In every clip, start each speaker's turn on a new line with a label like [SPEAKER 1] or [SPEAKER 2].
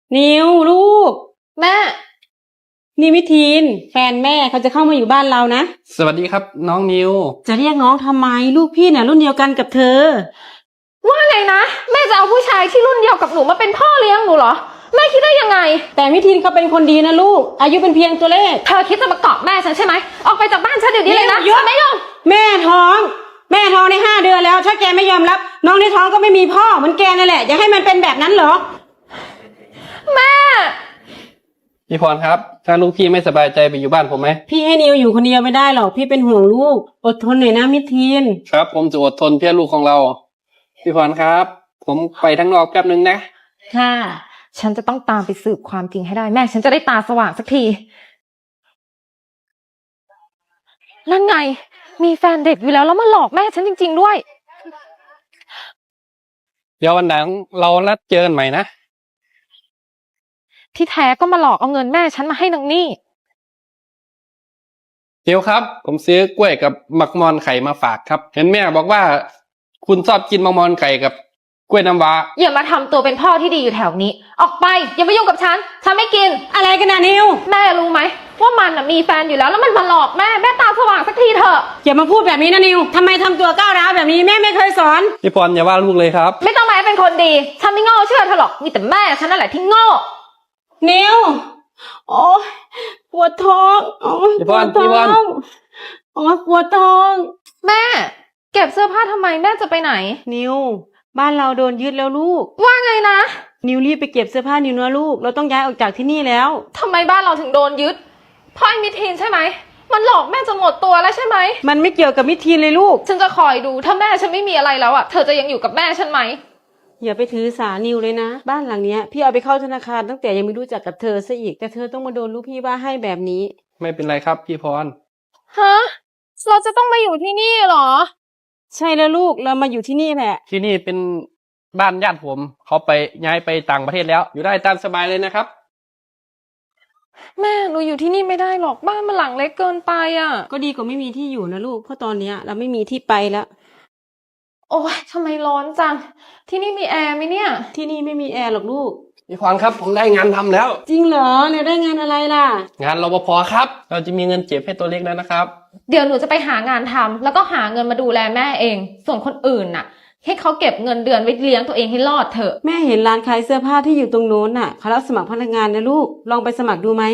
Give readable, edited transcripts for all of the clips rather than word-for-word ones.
[SPEAKER 1] นิวลูก
[SPEAKER 2] แม่
[SPEAKER 1] นี่วิทีนแฟนแม่เขาจะเข้ามาอยู่บ้านเรานะ
[SPEAKER 3] สวัสดีครับน้องนิว
[SPEAKER 1] จะเรียกน้องทำไมลูกพี่น่ะรุ่นเดียวกันกับเธอ
[SPEAKER 2] ว่าไงนะแม่จะเอาผู้ชายที่รุ่นเดียวกับหนูมาเป็นพ่อเลี้ยงหนูเหรอแม่คิดได้ยังไง
[SPEAKER 1] แต่วิทีนเขาเป็นคนดีนะลูกอายุเป็นเพียงตัวเลข
[SPEAKER 2] เธอคิดจะมาเกาะแม่ฉันใช่ไหมออกไปจากบ้านฉันเดี๋ยวนี้เลยนะ
[SPEAKER 1] ฉันไม่ยอมแม่ท้องใน5 เดือนแล้วถ้าแกไม่ยอมรับน้องในท้องก็ไม่มีพ่อเหมือนแกนั่นแหละอยากให้มันเป็นแบบนั้นเหรอ
[SPEAKER 2] แม่
[SPEAKER 3] พี่พรครับถ้าลูกพี่ไม่สบายใจไปอยู่บ้านผมไหม
[SPEAKER 1] พี่ให้นิวอยู่คนเดียวไม่ได้หรอกพี่เป็นห่วงลูกอดทนหน่อยนะวิทีน
[SPEAKER 3] ครับผมจะอดทนเพื่อลูกของเราพี่พรครับผมไปทั้งนอกแป๊บนึงนะ
[SPEAKER 2] ค่ะฉันจะต้องตามไปสืบความจริงให้ได้แม่ฉันจะได้ตาสว่างสักทีนั่นไงมีแฟนเด็กอยู่แล้วมาหลอกแม่ฉันจริงๆด้วย
[SPEAKER 3] เดี๋ยววันหลังเรานัดเจอกันใหม่นะ
[SPEAKER 2] ที่แท้ก็มาหลอกเอาเงินแม่ฉันมาให้นางนี่
[SPEAKER 3] เดี๋ยวครับผมซื้อกล้วยกับมักมอนไข่มาฝากครับเห็นแม่บอกว่าคุณชอบกินมักมอนไข่กับกล้วยน้ำว้า
[SPEAKER 2] อย่ามาทำตัวเป็นพ่อที่ดีอยู่แถวนี้ออกไปอย่ามายุ่งกับฉันไม่กิน
[SPEAKER 1] อะไรกันนะนิว
[SPEAKER 2] แม่รู้ไหมว่ามันมีแฟนอยู่แล้วมันมาหลอกแม่ตาสว่างสักทีเถอะ
[SPEAKER 1] อย่ามาพูดแบบนี้นะนิวทำไมทำตัวก้าวร้าวแบบนี้แม่ไม่เคยสอน
[SPEAKER 3] พี่พรอย่าว่าลูกเลยครับ
[SPEAKER 2] ไม่ต้องมาเป็นคนดีฉันไม่โง่เชื่อเธอหรอกมีแต่แม่ฉันนั่นแหละที่โง่
[SPEAKER 1] นิวโอ้ปวดท้องโอ้
[SPEAKER 3] ปวดท้อง
[SPEAKER 1] โอ้ปวดท้อง
[SPEAKER 2] แม่เก็บเสื้อผ้าทำไมแม่จะไปไหน
[SPEAKER 1] นิวบ้านเราโดนยึดแล้วลูก
[SPEAKER 2] ว่าไงนะ
[SPEAKER 1] นิวรีบไปเก็บเสื้อผ้านิวนะลูกเราต้องย้ายออกจากที่นี่แล้ว
[SPEAKER 2] ทำไมบ้านเราถึงโดนยึดพ่อไอ้มิทีนใช่ไหมมันหลอกแม่จนหมดตัวแล้วใช่ไหม
[SPEAKER 1] มันไม่เกี่ยวกับมิทีนเลยลูก
[SPEAKER 2] ฉันจะคอยดูถ้าแม่ฉันไม่มีอะไรแล้วอ่ะเธอจะยังอยู่กับแม่ฉันไหม
[SPEAKER 1] อย่าไปถือสานิวเลยนะบ้านหลังเนี้ยพี่เอาไปเข้าธนาคารตั้งแต่ยังไม่รู้จักกับเธอซะอีกแต่เธอต้องมาโดนลูกพี่ว่าให้แบบนี้
[SPEAKER 3] ไม่เป็นไรครับพี่พร
[SPEAKER 2] ฮะเราจะต้องมาอยู่ที่นี่เหรอ
[SPEAKER 1] ใช่แล้วลูกเรามาอยู่ที่นี่แหละ
[SPEAKER 3] ที่นี่เป็นบ้านญาติผมเขาไปย้ายไปต่างประเทศแล้วอยู่ได้ตามสบายเลยนะครับ
[SPEAKER 2] แม่หนูอยู่ที่นี่ไม่ได้หรอกบ้านมันหลังเล็กเกินไปอ่ะ
[SPEAKER 1] ก็ดีกว่าไม่มีที่อยู่นะลูกเพราะตอนเนี้ยเราไม่มีที่ไปแล้ว
[SPEAKER 2] โอ้ยทำไมร้อนจังที่นี่มีแอร์ไหมเนี่ย
[SPEAKER 1] ที่นี่ไม่มีแอร์หรอกลูก
[SPEAKER 3] พี่พรครับผมได้งานทำแล้ว
[SPEAKER 1] จริงเหรอเนี่ยได้งานอะไรล่ะ
[SPEAKER 3] งานรปภครับเราจะมีเงินเก็บให้ตัวเล็กแล้วนะครับ
[SPEAKER 2] เดี๋ยวหนูจะไปหางานทำแล้วก็หาเงินมาดูแลแม่เองส่วนคนอื่นน่ะให้เขาเก็บเงินเดือนไว้เลี้ยงตัวเองให้รอดเถอะ
[SPEAKER 1] แม่เห็นร้านขายเสื้อผ้าที่อยู่ตรงโน้นน่ะเขารับสมัครพนักงานนะลูกลองไปสมัครดูไหม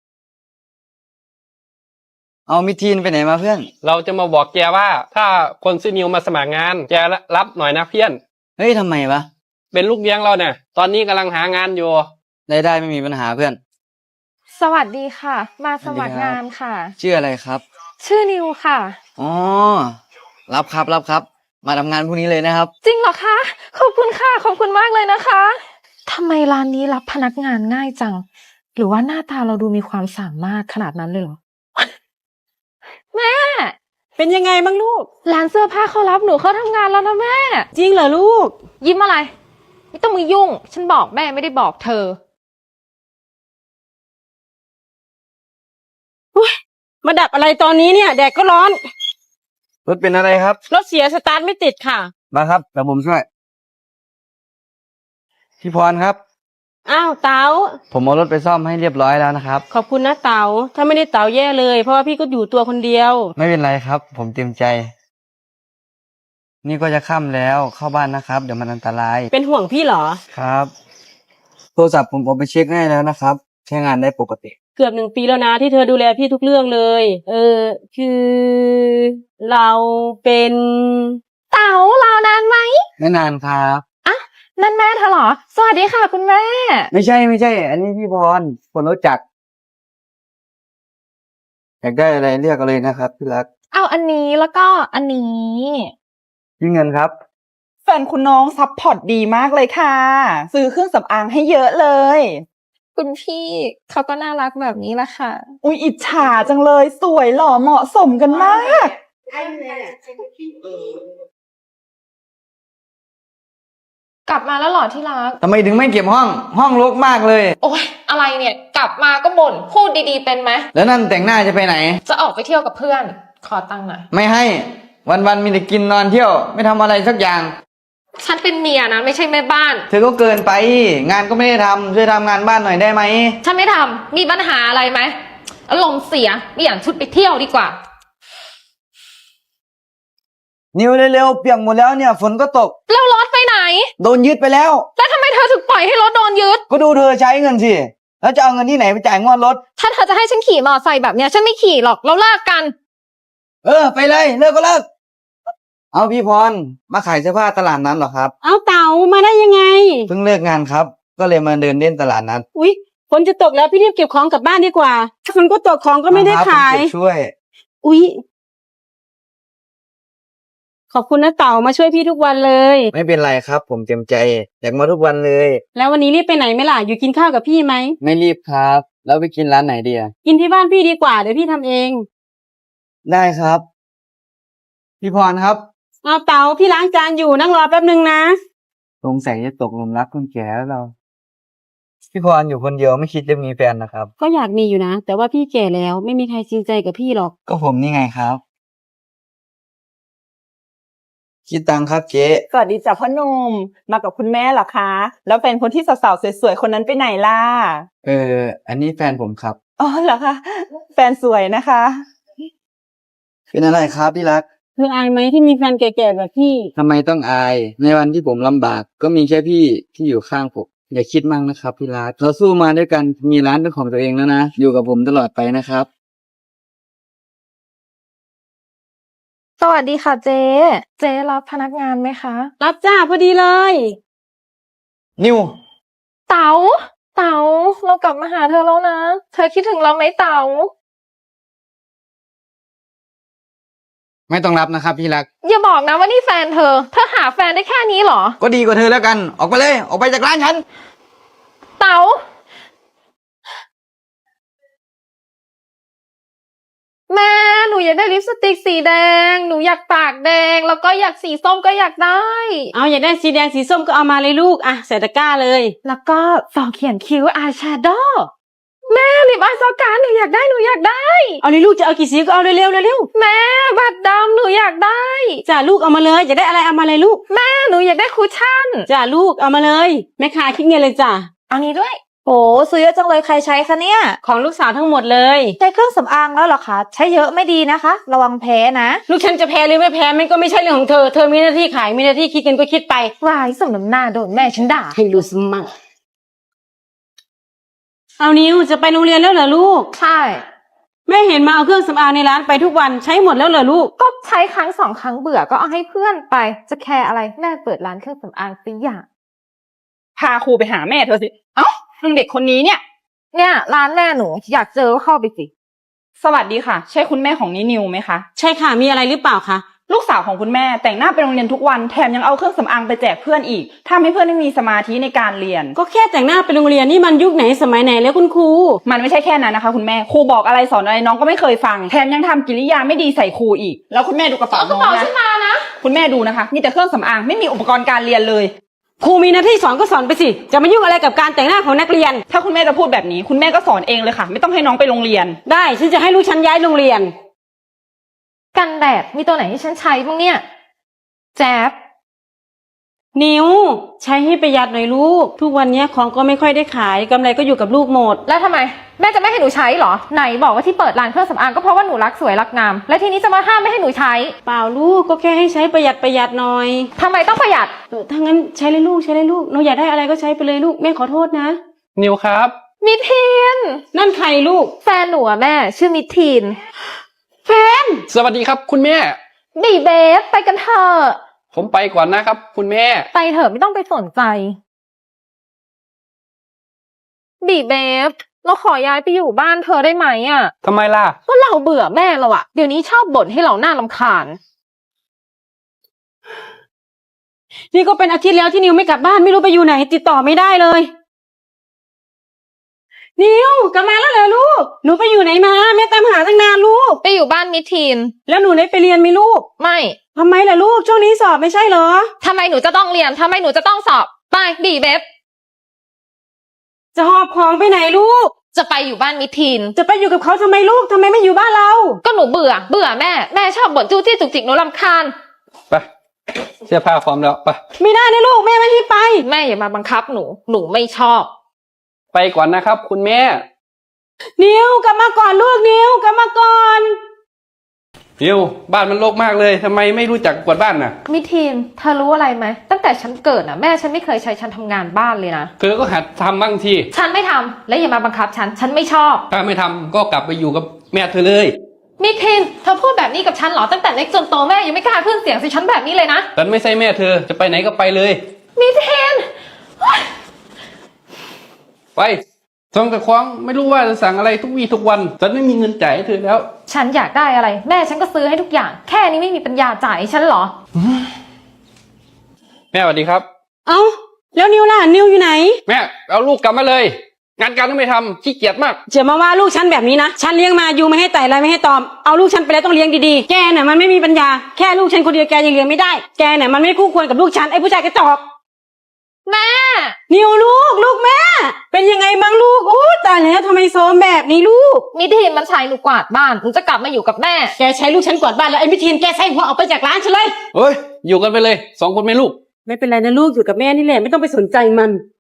[SPEAKER 4] เอามิทีนไปไหนมาเพื่อน
[SPEAKER 3] เราจะมาบอกแกว่าถ้าคนซื้อนิวมาสมัครงานแกรับหน่อยนะเพื่อน
[SPEAKER 4] เฮ้ยทำไมวะ
[SPEAKER 3] เป็นลูกเลี้ยงเราเนี่ยตอนนี้กำลังหางานอยู่
[SPEAKER 4] ได้ไม่มีปัญหาเพื่อน
[SPEAKER 2] สวัสดีค่ะมาสมัครงานค่ะ
[SPEAKER 4] ชื่ออะไรครับ
[SPEAKER 2] ชื่อนิวค่ะ
[SPEAKER 4] อ๋อรับครับมาทำงานพรุ่งนี้เลยนะครับ
[SPEAKER 2] จริงเหรอคะขอบคุณค่ะขอบคุณมากเลยนะคะทำไมร้านนี้รับพนักงานง่ายจังหรือว่าหน้าตาเราดูมีความสามารถขนาดนั้นเลยเหรอแม่
[SPEAKER 1] เป็นยังไงบ้างลูก
[SPEAKER 2] ร้านเสื้อผ้าเขารับหนูเข้าทำงานแล้วนะแม่
[SPEAKER 1] จริงเหรอลูก
[SPEAKER 2] ยิ้มอะไรไม่ต้องมือยุ่งฉันบอกแม่ไม่ได้บอกเธอ
[SPEAKER 1] มาดับอะไรตอนนี้เนี่ยแดดก็ร้อน
[SPEAKER 4] รถเป็นอะไรครับ
[SPEAKER 1] รถเสียสตาร์ทไม่ติดค่ะ
[SPEAKER 4] มาครับเดี๋ยวผมช่วยพี่พรครับ
[SPEAKER 1] อ้าวเต๋า
[SPEAKER 4] ผมเอารถไปซ่อมให้เรียบร้อยแล้วนะครับ
[SPEAKER 1] ขอบคุณนะเต๋าถ้าไม่ได้เต๋าแย่เลยเพราะว่าพี่ก็อยู่ตัวคนเดียว
[SPEAKER 4] ไม่เป็นไรครับผมเต็มใจนี่ก็จะค่ำแล้วเข้าบ้านนะครับเดี๋ยวมันอันตราย
[SPEAKER 1] เป็นห่วงพี่เหรอ
[SPEAKER 4] ครับโทรศัพท์ผมเอาไปเช็คให้แล้วนะครับใช้งานได้ปกติ
[SPEAKER 1] เกือบ1 ปีแล้วนะที่เธอดูแลพี่ทุกเรื่องเลยคือเราเป็น
[SPEAKER 2] เต๋ารอนานไหม
[SPEAKER 4] ไม่นานครับ
[SPEAKER 2] อ่ะนั่นแม่เธอเหรอสวัสดีค่ะคุณแม่
[SPEAKER 4] ไม่ใช่อันนี้พี่พรคนรู้จักอยากได้อะไรเรียกกันเลยนะครับพี่รัก
[SPEAKER 2] เอาอันนี้แล้วก็อันนี้
[SPEAKER 4] พี่เงินครับ
[SPEAKER 5] แฟนคุณน้องซัพพอร์ตดีมากเลยค่ะซื้อเครื่องสำอางให้เยอะเลย
[SPEAKER 2] คุณพี่เขาก็น่ารักแบบนี้แหละค่ะ
[SPEAKER 5] อุ๊ยอิจฉาจังเลยสวยหล่อเหมาะสมกันมาก
[SPEAKER 2] กลับมาแล้วหรอที่รัก
[SPEAKER 4] ทำไมถึงไม่เก็บห้องรกมากเลย
[SPEAKER 2] โอ๊ยอะไรเนี่ยกลับมาก็บ่นพูดดีๆเป็นไหม
[SPEAKER 4] แล้วนั่นแต่งหน้าจะไปไหน
[SPEAKER 2] จะออกไปเที่ยวกับเพื่อนขอตังค์หน่อย
[SPEAKER 4] ไม่ให้วันมีแต่กินนอนเที่ยวไม่ทำอะไรสักอย่าง
[SPEAKER 2] ฉันเป็นเมียนะไม่ใช่แม่บ้าน
[SPEAKER 4] เธอก็เกินไป งานก็ไม่ได้ทำช่วยทำงานบ้านหน่อยได้ไหม
[SPEAKER 2] ฉันไม่ทำมีปัญหาอะไรไหมอารมณ์เสียเปลี่ยนชุดไปเที่ยวดีกว่า
[SPEAKER 4] นิวเร็วๆเปียกหมดแล้วเนี่ยฝนก็ตก
[SPEAKER 2] แล้วรถไปไหน
[SPEAKER 4] โดนยึดไปแล้ว
[SPEAKER 2] แล้วทำไมเธอถึงปล่อยให้รถโดนยึด
[SPEAKER 4] ก็ดูเธอใช้เงินสิ แล้วจะเอาเงินที่ไหนไปจ่ายงวดรถ
[SPEAKER 2] ถ้าเธอจะให้ฉันขี่มอเตอร์ไซค์แบบเนี้ยฉันไม่ขี่หรอกเราเลิกกัน
[SPEAKER 4] ไปเลยเลิกก็เลิก เอาพี่พรมาขายเสื้อผ้าตลาดนั้นเหรอครับ
[SPEAKER 1] เอาเต๋ามาได้ยังไง
[SPEAKER 4] เพิ่งเลิกงานครับ ก็เลยมาเดินเล่นตลาดนัด
[SPEAKER 1] อุ๊ยฝนจะตกแล้วพี่รีบเก็บของกลับบ้านดีกว่าถ้าฝนก็ตกของก็ไม่ได้
[SPEAKER 4] ครับ
[SPEAKER 1] ขาย
[SPEAKER 4] ผมเก็บช่วย
[SPEAKER 1] อุ๊ยขอบคุณนะเต๋ามาช่วยพี่ทุกวันเลย
[SPEAKER 4] ไม่เป็นไรครับ ผมเต็มใจอยากมาทุกวันเลย
[SPEAKER 1] แล้ววันนี้รีบไปไหนไหมล่ะอยู่กินข้าวกับพี่ไหม
[SPEAKER 4] ไม่รีบครับ แล้วไปกินร้านไหนดีอะ
[SPEAKER 1] กินที่บ้านพี่ดีกว่าเดี๋ยวพี่ทำเอง
[SPEAKER 4] ได้ครับ พี่พรครับ
[SPEAKER 1] เอาเต๋าพี่ล้างจานอยู่นั่งรอแป๊บนึงนะ
[SPEAKER 4] สงสัยจะตกหลุมรักคนแก่แล้วเรา พี่พรอยู่คนเดียวไม่คิดจะมีแฟนนะครับ
[SPEAKER 1] ก็อยากมีอยู่นะแต่ว่าพี่แก่แล้วไม่มีใครจริงใจกับพี่หรอก
[SPEAKER 4] ก็ผมนี่ไงครับ คิดตังครับเจ๊
[SPEAKER 5] สวัสดีจ้ะพ่อหนุ่มมากับคุณแม่เหรอคะ แล้วแฟนคนที่สาวๆสวยๆคนนั้นไปไหนล่ะ
[SPEAKER 4] อันนี้แฟนผมครับ
[SPEAKER 5] อ๋อเหรอคะแฟนสวยนะคะ
[SPEAKER 4] เป็นอะไรครับที่รัก
[SPEAKER 1] เธออายไหมที่มีแฟนแก่ๆแบบพี่
[SPEAKER 4] ทำไมต้องอาย ในวันที่ผมลำบาก ก็มีแค่พี่ที่อยู่ข้างผม อย่าคิดมั่งนะครับพี่รักเราสู้มาด้วยกัน มีร้านเป็นของตัวเองแล้วนะ อยู่กับผมตลอดไปนะครับ
[SPEAKER 2] สวัสดีค่ะเจ๊ เจ๊รับพนักงานไหมคะ
[SPEAKER 1] รับจ้าพอดีเลย
[SPEAKER 4] นิว
[SPEAKER 2] เต๋าเรากลับมาหาเธอแล้วนะ เธอคิดถึงเราไหมเต๋า
[SPEAKER 4] ไม่ต้องรับนะครับพี่รัก
[SPEAKER 2] อย่าบอกนะว่านี่แฟนเธอหาแฟนได้แค่นี้เหรอ
[SPEAKER 4] ก็ดีกว่าเธอแล้วกัน ออกไปเลย ออกไปจากร้านฉัน
[SPEAKER 2] เต๋าแม่หนูอยากได้ลิปสติกสีแดง หนูอยากปากแดง แล้วก็อยากสีส้มก็อยากได้
[SPEAKER 1] เอาอยากได้สีแดงสีส้มก็เอามาเลยลูกอ่ะใส่ตะกร้าเลย
[SPEAKER 2] แล้วก็สองเขียนคิ้วอายแชโดว์แม่ลิปอายซอการหนูอยากได้
[SPEAKER 1] เอาเลยลูกจะเอากี่สีก็เอาเร็วๆเร็ว
[SPEAKER 2] แม่บัตรดำหนูอยากได้
[SPEAKER 1] ๆจ้าลูกเอามาเลยอยากได้อะไรเอามาเลยลูก
[SPEAKER 2] แม่หนูอยากได้คุชชั่น
[SPEAKER 1] จ้าลูกเอามาเลยแม่ค้าคิดเงินเลยจ้า
[SPEAKER 2] เอานี้ด้วย
[SPEAKER 6] โหซื้อเยอะจังเลยใครใช้คะเนี่ย
[SPEAKER 1] ของลูกสาวทั้งหมดเลย
[SPEAKER 6] ใช้เครื่องสำอางแล้วเหรอคะ ใช้เยอะไม่ดีนะคะ ระวังแพ้นะ
[SPEAKER 1] ลูกฉันจะแพ้หรือไม่แพ้มันก็ไม่ใช่เรื่องของเธอ เธอมีหน้าที่ขายมีหน้าที่คิดเงินก็คิดไป
[SPEAKER 2] วายสมน้ำหน้าโดนแม่ฉันด่า
[SPEAKER 1] ให้รู้สมั่งเอานิวจะไปโรงเรียนแล้วเหรอลูก
[SPEAKER 2] ใช่
[SPEAKER 1] แม่เห็นมาเอาเครื่องสำอางในร้านไปทุกวันใช้หมดแล้วเหรอลูก
[SPEAKER 2] ก็ใช้ครั้งสองครั้งเบื่อก็เอาให้เพื่อนไป จะแคร์อะไรแม่เปิดร้านเครื่องสำอางสิอย่าง
[SPEAKER 5] พาครูไปหาแม่เธอสิ เอ้าเรื่องเด็กคนนี้เนี่ย
[SPEAKER 2] เนี่ยร้านแม่หนูอยากเจอก็เข้าไปสิ
[SPEAKER 5] สวัสดีค่ะ ใช่คุณแม่ของนินิวไหมคะ
[SPEAKER 1] ใช่ค่ะมีอะไรหรือเปล่าคะ
[SPEAKER 5] ลูกสาวของคุณแม่แต่งหน้าไปโรงเรียนทุกวันแถมยังเอาเครื่องสำอางไปแจกเพื่อนอีกทำให้เพื่อนไม่มีสมาธิในการเรียน
[SPEAKER 1] ก็แค่แต่งหน้าไปโรงเรียนนี่มันยุคไหนสมัยไหนแล้วคุณครู
[SPEAKER 5] มันไม่ใช่แค่นั้นนะคะ คุณแม่ครูบอกอะไรสอนอะไรน้องก็ไม่เคยฟังแถมยังทำกิริยาไม่ดีใส่ครูอีก แล้วคุณแม่ดูกระเป๋าน้องนะคุณแม่ดูนะคะนี่แต่เครื่องสำอางไม่มีอุปกรณ์การเรียนเลย
[SPEAKER 1] ครูมีหน้าที่สอนก็สอนไปสิจะมายุ่งอะไรกับการแต่งหน้าของนักเรียน
[SPEAKER 5] ถ้าคุณแม่จะพูดแบบนี้คุณแม่ก็สอนเองเลยค่ะ ไม่ต้องให้น้องไปโรงเรียน
[SPEAKER 1] ได้ฉันจะให้ลูกฉันย้ายโรงเรียน
[SPEAKER 2] กันแดดมีตัวไหนที่ฉันใช้บ้างเนี่ยแจ๊บ
[SPEAKER 1] นิวใช้ให้ประหยัดหน่อยลูกทุกวันนี้ของก็ไม่ค่อยได้ขายกำไรก็อยู่กับลูกหมด
[SPEAKER 2] แล้วทำไมแม่จะไม่ให้หนูใช้เหรอไหนบอกว่าที่เปิดร้านเครื่องสำอางก็เพราะว่าหนูรักสวยรักงาม และทีนี้จะมาห้ามไม่ให้หนูใช้
[SPEAKER 1] เปล่าลูกก็แค่ให้ใช้ประหยัดหน่อย
[SPEAKER 2] ทำไมต้องประหยัด
[SPEAKER 1] ถ้างั้นใช้เลยลูกใช้เลยลูกหนูอยากได้อะไรก็ใช้ไปเลยลูกแม่ขอโทษนะ
[SPEAKER 3] นิวครับ
[SPEAKER 2] มิทีน
[SPEAKER 1] นั่นใครลูก
[SPEAKER 2] แฟนหนูอะแม่ชื่อมิทีน
[SPEAKER 1] แฟน
[SPEAKER 3] สวัสดีครับ คุณแม่
[SPEAKER 2] บีเบฟไปกันเถอะ
[SPEAKER 3] ผมไปก่อนนะครับ คุณแม่
[SPEAKER 2] ไปเถอะไม่ต้องไปสนใจบีเบฟเราขอย้ายไปอยู่บ้านเธอได้ไหมอะ
[SPEAKER 3] ทำไมล่ะ
[SPEAKER 2] ก็เราเบื่อแม่เราอะเดี๋ยวนี้ชอบบ่นให้เราหน้ารำคาญ
[SPEAKER 1] นี่ก็เป็นอาทิตย์แล้วที่นิวไม่กลับบ้านไม่รู้ไปอยู่ไหนติดต่อไม่ได้เลยนิวกลับมาแล้วเหรอลูกหนูไปอยู่ไหนมาแม่ตามหาตั้งนานลูก
[SPEAKER 2] ไปอยู่บ้านมิทีน
[SPEAKER 1] แล้วหนูได้ไปเรียนไหมลูก
[SPEAKER 2] ไม่
[SPEAKER 1] ทำไมล่ะลูกช่วงนี้สอบไม่ใช่เหรอ
[SPEAKER 2] ทำไมหนูจะต้องเรียนทำไมหนูจะต้องสอบไปบีเบฟ
[SPEAKER 1] จะหอบของไปไหนลูก
[SPEAKER 2] จะไปอยู่บ้านมิทีน
[SPEAKER 1] จะไปอยู่กับเขาทำไมลูกทำไมไม่อยู่บ้านเรา
[SPEAKER 2] ก็หนูเบื่อแม่ชอบบ่นจู้จี้จุกจิกหนูรำคาญ
[SPEAKER 3] ไปเสื้อผ้าพร้อมแล้วไป
[SPEAKER 1] ไม่ได้นะลูกแม่ไม่ให้ไป
[SPEAKER 2] แม่อย่ามาบังคับหนู หนูไม่ชอบ
[SPEAKER 3] ไปก่อนนะครับ คุณแม่
[SPEAKER 1] นิวกลับมาก่อนลูกนิวกลับมาก่อน
[SPEAKER 3] นิวบ้านมันรกมากเลยทำไมไม่รู้จักกวาดบ้านน่ะ
[SPEAKER 2] มิทีนเธอรู้อะไรไหมตั้งแต่ฉันเกิดน่ะแม่ฉันไม่เคยใช้ฉันทำงานบ้านเลยนะ
[SPEAKER 3] เธอก็หัดทำบ้างที
[SPEAKER 2] ฉันไม่ทำและอย่ามาบังคับฉันไม่ชอบ
[SPEAKER 3] ถ้าไม่ทำก็กลับไปอยู่กับแม่เธอเลย
[SPEAKER 2] มิทีนเธอพูดแบบนี้กับฉันเหรอตั้งแต่เล็กจนโตแม่ยังไม่กล้าขึ้นเสียงใส่ฉันแบบนี้เลยนะ
[SPEAKER 3] ฉันไม่ใช่แม่เธอจะไปไหนก็ไปเลย
[SPEAKER 2] มิทีน
[SPEAKER 3] ไปส่งแต่คว้างไม่รู้ว่าจะสั่งอะไรทุกวี่ทุกวันฉันไม่มีเงินจ่ายให้เธอแล้ว
[SPEAKER 2] ฉันอยากได้อะไร แม่ฉันก็ซื้อให้ทุกอย่าง แค่นี้ไม่มีปัญญาจ่ายให้ฉันเหรอ
[SPEAKER 3] แม่สวัสดีครับ
[SPEAKER 1] เอ้าแล้วนิวล่ะนิวอยู่ไหน
[SPEAKER 3] แม่เอาลูกกลับมาเลย งานการก็ไม่ทำขี้เกียจมาก
[SPEAKER 1] จะมาว่าลูกฉันแบบนี้นะฉันเลี้ยงมาอยู่ไม่ให้ไต่อะไรไม่ให้ตอมเอาลูกฉันไปแล้วต้องเลี้ยงดีๆแกน่ะมันไม่มีปัญญาแค่ลูกฉันคนเดียวแกยังเลี้ยงไม่ได้แกน่ะมันไม่คู่ควรกับลูกฉันไอ้ผู้ชายกระจอก
[SPEAKER 2] แม่
[SPEAKER 1] นิวลูกแม่ เป็นยังไงบ้างลูกโอ้ตายแล้วทำไมโซมแบบนี้ลูก
[SPEAKER 2] มิทีนมันใช้หนูกวาดบ้านหนูจะกลับมาอยู่กับแม่
[SPEAKER 1] แกใช้ลูกฉันกวาดบ้านแล้วไอ้มิทีนแกใส่หัวออกไปจากร้านฉันเลย
[SPEAKER 3] เฮ้ยอยู่กันไปเลย2 คนแม่ลูก
[SPEAKER 1] ไม่เป็นไรนะลูกอยู่กับแม่นี่แหละไม่ต้องไปสนใจมัน